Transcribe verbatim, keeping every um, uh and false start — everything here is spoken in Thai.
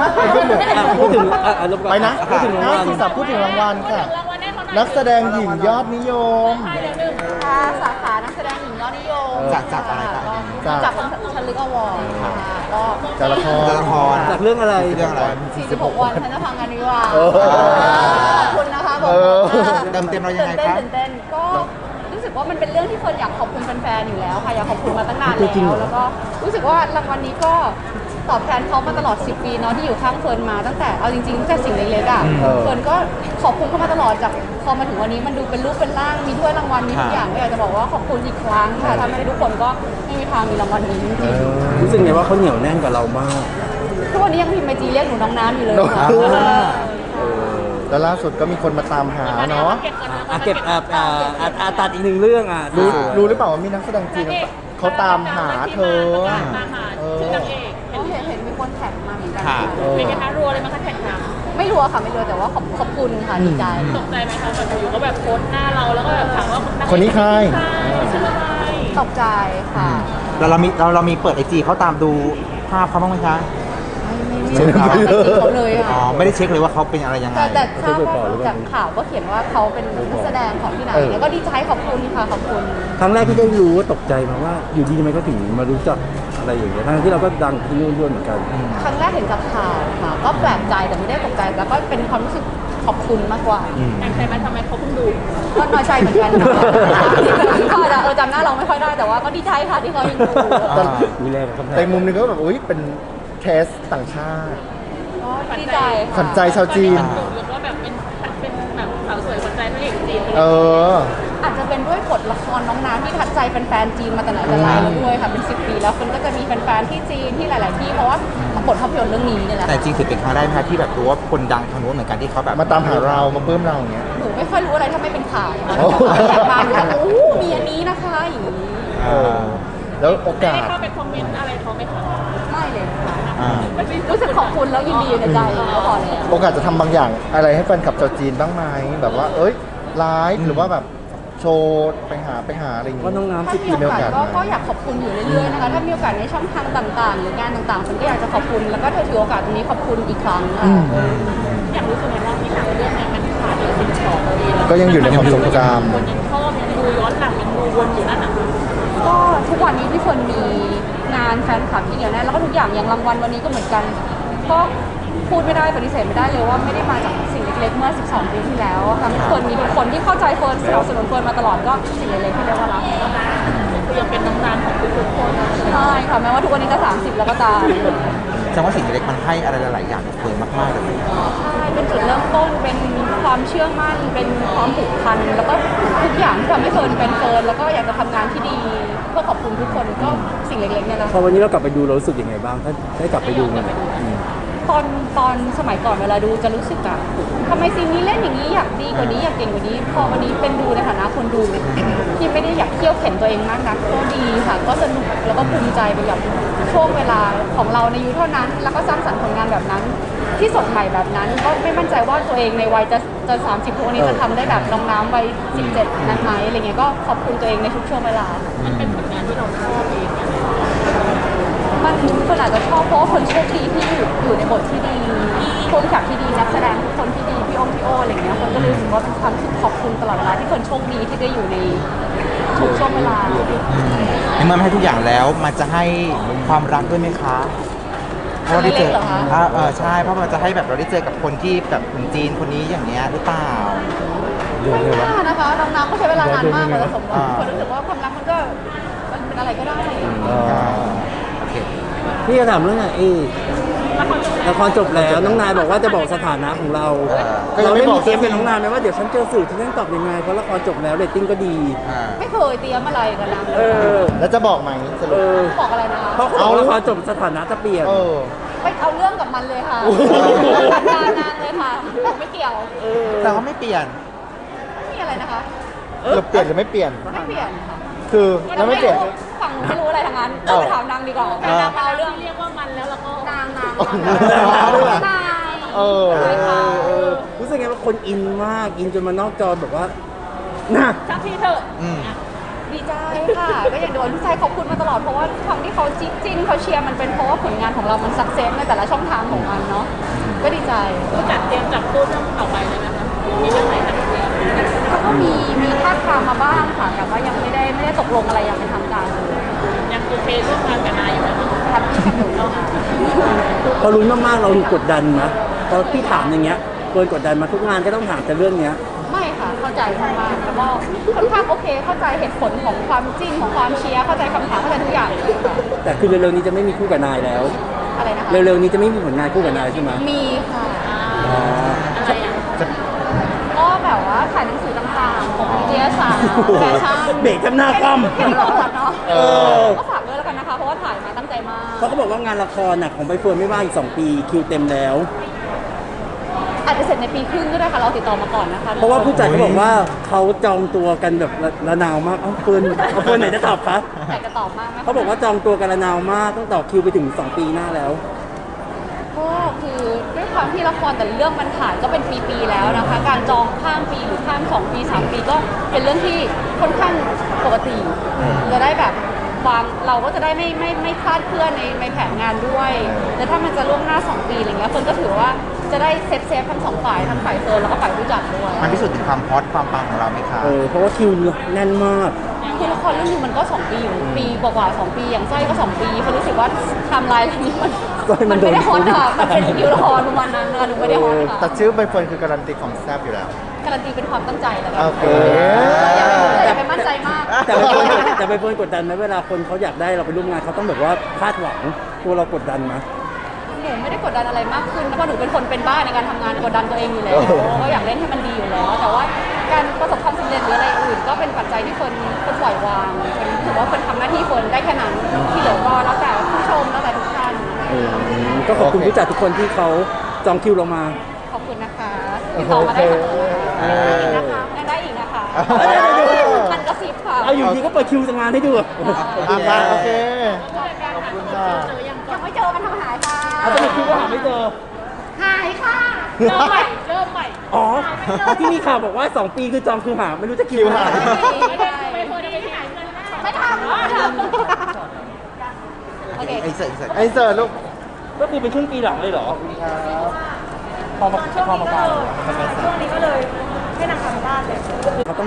พูดถึงไปนะพูดถึงรางห้าวัลสี่สามพูดถึงรางวัลค่ะ นักแสดงหญิงยอดนิยมค่ะสาขานักแสดงหญิงยอดนิยมจากจากอะไรครับจากจากชันลึกอวอร์ดค่ะก็จากละครละครจากเรื่องอะไรเรื่องอะไรสี่สิบหกวันฉันจะพังงานวิวาห์เออขอบคุณนะคะบอกเออเติมเต็มเรายังไงครับตื่นเต้นตื่นเต้นก็รู้สึกว่ามันเป็นเรื่องที่คนอยากขอบคุณแฟนๆอยู่แล้วค่ะอยากขอบคุณมาตั้งนานจริงเหรอแล้วแล้วก็รู้สึกว่ารางวัลนี้ก็ตอบแทนเขามาตลอดสิบปีเนาะที่อยู่ข้างเฟิร์นมาตั้งแต่เอาจริงๆตั้งแต่สิ่งเล็กๆอ่ะเออเฟิร์นก็ขอบคุณเขามาตลอดจากพอมาถึงวันนี้มันดูเป็นรูปเป็นร่างมีถ้วยรางวัลมีทุกอย่างก็อยากจะบอกว่าขอบคุณอีกครั้งค่ะถ้าไม่ได้ทุกคนก็ไม่มีทางมีรางวัลนี้จริงรู้สึกไงว่าเขาเหนียวแน่นกับเรามากๆทุกวันนี้ยังพิมพ์ไอจีเรียกหนูน้องน้ำอยู่เลยน้องค่ะน้ำ แล้วล่าสุดก็มีคนมาตามหาเนาะอ่ะเก็บอ่ะอ่ะอ่ะอ่ะตัดอีกหนึ่งเรื่องอ่ะรู้รู้หรือเปล่าว่ามีนักแสดงจีนเขาตามหาเธอเออก็เห็นเห็นมีคนแท็กมาเหมือนกันค่ะเออเป็นไงคะรัวเลยมั้งคะแท็กถามไม่รู้อะค่ะไม่รู้แต่ว่าขอบขอบคุณค่ะดีใจตกใจไหมคะแบบอยู่ก็แบบโพสต์หน้าเราแล้วก็แบบถามว่าคนนี้ใครชื่ออะไรตกใจค่ะแล้วเรามีเราเรามีเปิดไอจีเขาตามดูภาพเขาบ้างไหมคะไม่ไม่ไม่ได้ติดเขาเลยอ๋อค่ะไม่ได้เช็คเลยว่าเขาเป็นอะไรยังไงแต่แต่ทราบว่าจากข่าวก็เขียนว่าเขาเป็นนักแสดงของที่ไหนเออแล้วก็ดีใจขอบคุณค่ะขอบคุณครั้งแรกที่ได้รู้ว่าตกใจมาว่าอยู่ดีทำไมเขาถึงมารู้จักอะไรอย่างเงี้ยทั้งที่เราก็ดังที่นู่นด้วยเหมือนกันครั้งแรกเห็นจากข่าวค่ะ ก็แปลกใจแต่ไม่ได้ตกใจแล้วก็เป็นความรู้สึกขอบคุณมากกว่าแอบใจไหมทำไมเขาเพิ่งดูก็น้อยใจเหมือนกันค่ะก็จะเออจำหน้าเราไม่ค่อยได้แต่ว่าก็ดีใจค่ะที่เขายังดูแต่มีแรงคำแพแต่งมุมหนึงก็แบบอุ้ยเป็นเคสต่างชาติก็ดีใจค่ะขวัญใจชาวจีนดูแล้วก็แบบเป็นเป็นแบบสาวสวยขวัญใจพระเอกจีนเอออาจจะเป็นด้วยบทละครน้องน้ำที่ทัดใจแฟนๆจีนมาแต่ไหนแต่ไรแล้วด้วยค่ะเป็นสิบปีแล้วคนก็จะมีแฟนๆที่จีนที่หลาย ๆ ที่เพราะว่าบทภาพยนตร์เรื่องนี้เนี่ยแหละแต่จริงถือเป็นครั้งแรกไหมคะที่แบบรู้ว่าคนดังทางนู้นเหมือนกันที่เขาแบบมาตามหาเรามาปลื้มเราอย่างเงี้ยหนูไม่ค่อยรู้อะไรถ้าไม่เป็นข่าวโอ้อยากมาหนูก็โอ้มีอันนี้นะคะอย่างนี้เออ แล้วโอได้กาสเข้าไปคอมเมนต์อะไรเขาไหมคะไม่เลยค่ะอ่ารู้สึกขอบคุณแล้วยินดีในใจก็พอแล้วโอกาสจะทำบางอย่างอะไรให้แฟนคลับชาวจีนบ้างไหมแบบว่า เอ้ยไลฟ์หรือว่าแบบโชว์ไปหาไปหาอะไรอย่างว่าเงี้ยน้องน้ำถ้าสิบมีปีโอกาสก็มีโอกาสไหมก็อยากขอบคุณอยู่เรื่อยๆนะคะถ้ามีโอกาสในช่องทางต่างๆ หรืองานต่างๆฉันก็อยากจะขอบคุณแล้วก็ถือโอกาสตรงนี้ขอบคุณอีกครั้งค่ะอยากรู้สึกไงว่าที่หนังเรื่องนี้มันผ่านมาสิบสองปีแล้วก็ยังอยู่ในความทรงจคนยังชอบยังดูย้อนหลังยังดูวนอยู่นั่นอ่ะก็ทุกวันนี้ที่คนมีงานแฟนคลับที่เหนียวแน่นแล้วก็ทุกอย่างอย่างรางวัลวันนี้ก็เหมือนกันก็พูดไม่ได้ปฏิเสธไม่ได้เลยว่าไม่ได้มาจากสิ่งเล็กๆเมื่อสิบสองปีที่แล้วทำให้เฟิร์นมีทุกคนที่เข้าใจเฟิร์นสนับสนุนเฟิร์นมาตลอดก็สิ่งเล็กๆที่เรียกว่ารักคือยังเป็นน้ำตาลของทุกๆคนใช่ค่ะแม้ว่าทุกวันนี้จะสามสิบแล้วก็ตามแสดงว่าสิ่งเล็กมันให้อะไรหลายๆอย่างกับเฟิร์นมากๆเลยใช่เป็นจุดเริ่มต้นเป็นความเชื่อมั่นเป็นความผูกพันแล้วก็ทุกอย่างที่ทำให้เฟิร์นเป็นเฟิร์นแล้วก็อยากจะทำงานที่ดีเพื่อขอบคุณทุกคนก็สิ่งเล็กๆเนี่ยนะพอวันนี้เรากลับไปดูเรารู้สึกยังไงบ้างถ้าได้กลับไปดูมันอืมตอนตอนสมัยก่อนเวลาดูจะรู้สึกอะทำไมซีนนี้เล่นอย่างนี้อยากดีกว่านี้อยากเก่งกว่านี้ พอวันนี้เป็นดูในฐานะคนดูที่ไม่ได้อยากเที่ยวเข็นตัวเองมากนักก็ดีค่ะ ก็สนุกแล้วก็ภูมิใจไปกับช่วงเวลาของเราในยุคเท่านั้น แล้วก็สร้างสรรค์ผลงานแบบนั้น ที่สดใหม่แบบนั้น ก็ไม่มั่นใจว่าตัวเองในวัยจะจะสามสิบทุกวันนี้จะทำได้แบบน้องน้ำวัยสิบเจ็ดนั้นไหมอะไรเงี้ยก็ขอบคุณตัวเองในทุกช่วงเวลามันเป็นผลงานที่เราชอบเองเนี่ยมันคนอาจจะชอบเพราะว่าคนโชคดีที่อยู่อยู่ในบทที่ดีผู้กำกับที่ดีนักแสดงทุกคนที่ดีพี่องค์พี่โออะไรเงี้ยคนก็เลยรู้สึกว่าเป็นความรู้สึกขอบคุณตลอดเวลาที่คนโชคดีที่ได้อยู่ในทุกช่วงเวลาในเมื่อมันให้ทุกอย่างแล้วมันจะให้ความรักด้วยไหมคะเพราะว่าได้เจออ่าเออใช่เพราะมันจะให้แบบเราได้เจอกับคนที่แบบคนจีนคนนี้อย่างเงี้ยหรือเปล่าไม่น่านะคะน้องน้ำก็ใช้เวลานานมากกว่าจะสมหวังคนรู้สึกว่าความรักมันก็มันเป็นอะไรก็ได้อ่าโอเคพี่จะถามเรื่องไหนเอละครจบแล้วน้องนายบอกว่าจะบอกสถานะของเราก็ยังเราไม่ได้บอมีกเตรียมเป็นน้องนายไหมว่าเดี๋ยวฉันเจอสื่อฉันต้องตอบยังไงเพราะละครจบแล้วเรตติ้งก็ดีอ่าไม่เคยเตรียมอะไรกันนะเออแล้วจะบอกไหมสเอรุปอบอกอะไรนะคะเพราะเขาบอกละครจบสถานะจะเปลี่ยนเออไปเอาเรื่องกับมันเลยค่ะจัดการนางเลยค่ะไม่เกี่ยวแต่ว่าไม่เปลี่ยนไม่มีอะไรนะคะจะเปลี่ยนหรือไม่เปลี่ยนไม่เปลี่ยนค่ะคือแล้วไม่เปลี่ยนรู้ฝั่งไม่รู้อะไรทั้งนั้นเออไปถามนางดีกว่าแต่นางเอาเรื่องเรียกว่ามันแล้วแล้วก็นางนางอ๋อนางด้วยเหรอนางเออใช่ค่ะเออรู้สึกไงว่าคนอินมากอินจนมานอกจอแบบว่าน่ะสักทีเถอะอืมดีใจค่ะ ก็อย่างโดนพี่ชายขอบคุณมาตลอดเพราะว่าความที่เขาจิ้นจิ้นเขาเชียร์มันเป็นเพราะว่าผลงานของเรามันสักเซสในแต่ละช่องทางของมันเนาะก็ดีใจผู้จัดเตรียมจับคู่เรื่องต่อไปเลยนะคะมีเรื่องไหนคะก็มีมีท่าบทามมาบ้างค่ะแต่ว่ายังไม่ได้ไม่ได้ตกลงอะไรอย่างเป็นทางการเลยยังโอเคร่วมงานกับนายอยู่ไหมคะทำที่กับหนูเนาะพอรุ้นมากๆเรากดดันนะพอพี่ถามอย่างเงี้ยเกินกดดันมาทุกงานก็ต้องถามแต่เรื่องเนี้ยไม่ค่ะเข้าใจมากๆแล้วก็ค่อนข้างโอเคเข้าใจเหตุผลของความจริงของความเชียร์เข้าใจคำถามเข้าใจทุกอย่างเลยค่ะแต่คือเร็วๆนี้จะไม่มีคู่กับนายแล้วอะไรนะคะเร็วๆนี้จะไม่มีผลงานคู่กับนายใช่ไหมมีค่ะอ๋ออะไรอ่ะก็แบบว่าถ่ายหนังสือต่างๆของวิทยาศาสตร์แฟชั่นเบรกกันหน้าคว่ำเห็นหลอดเนาะเออก็ฝากด้วยแล้วกันนะคะเพราะว่าถ่ายมาตั้งใจมากเขาก็บอกว่างานละครน่ะของใบเฟิร์นไม่ว่างอีกสองปีคิวเต็มแล้วอาจจะเสร็จในปีครึ่งก็ได้ค่ะเราติดต่อมาก่อนนะคะเพราะว่าผู้จัดเขาบอกว่าเขาจองตัวกันแบบระระนาวมากเอ้าเฟิร์นเอาเฟิร์นไหนจะตอบคะอยากจะตอบมากไหมคะเขาบอกว่าจองตัวกันระนาวมากต้องต่อคิวไปถึงสองปีหน้าแล้วก็คือด้วยความที่ละครแต่ละเรื่องมันถ่ายก็เป็นปีๆแล้วนะคะ การจองข้ามปีหรือข้ามสองปีสามปีก็เป็นเรื่องที่ค่อนข้างปกติจะได้แบบวางเราก็จะได้ไม่ไม่ไม่คลาดเคลื่อนในในแผนงานด้วยแต่ถ้ามันจะล่วงหน้าสองปีอะไรเงี้ยคนก็ถือว่าจะได้เซฟเซฟทั้งสองฝ่ายทั้งฝ่ายเฟิร์นแล้วก็ฝ่ายผู้จัดด้วยมันพิสูจน์ถึงความฮอตความปังของเราไหมคะเออเพราะว่าคิวแน่นมากคือละครเรื่องนึงมันก็สองปีอยู่ปีกว่าๆสองปีอย่างสร้อยก็สองปีเขารู้สึกว่าไทม์ไลน์เรื่องนี้มันสร้อยมัมัน นโดนไม่ได้ฮอตค่ะมันเป็นคิวละครประมาณนั้นนะคะหนูไม่ได้ฮอตค่ะแต่ชื่อใบเฟิร์นคือการันตีของแซ่บอยู่แล้วการันตีเป็นความตั้งใจแล้วกันโอเคอย่าไปอย่าไปมั่นใจมากแต่ใบเฟิร์นแต่ใบเฟิร์นกดดันไหมเวลาคนเขาอยากได้เราไปร่วมงานเขาต้องแบบว่าคาดหวังตัวเรากดดันไหมหนูไม่ได้กดดันอะไรมากขึ้นเพราะหนูเป็นคนเป็นบ้าในการทำงานกดดันตัวเองอยู่แล้วก็อยากเล่นให้มันดีอยู่แล้ว แต่ว่าการประสบความสำเร็จหรืออะไรอื่น ก็เป็นปัจจัยที่คนคนปล่อยวางคนถือว่าคนทำหน้าที่คนได้แค่นั้นที่เหลือก็แล้วแต่ผู้ชมแล้วแต่ทุกท่านเออก็ขอบคุณผู้จัดทุกคนที่เขาจองคิวเรามาขอบคุณนะคะติดต่อมาได้เสมอเออนะคะยังได้อีกนะคะเออมันกระซิบค่ะเอาอยู่ดีก็เปิดคิวงานให้ดูอ่ะมาโอเค ขอบคุณค่ะยังไม่เจอมันทำหายค่ะเอาสรุปคิวก็หาไม่เจอหายค่ะเริ่มใหม่เริ่มใหม่อ๋อที่มีข่าวบอกว่าสองปีคือจองคือหาไม่รู้จะคิวหาไม่ได้ไม่เคยได้ไปที่ไหนเงินไม่ทำไม่ทำโอเคไอ้เสร็จเสร็จไอเสิร์ตลูกก็คือเป็นครึ่งปีหลังเลยเหรอพอมาพอมาการช่วงนี้ก็เลยให้นางทำบ้านเลยเขาต้อง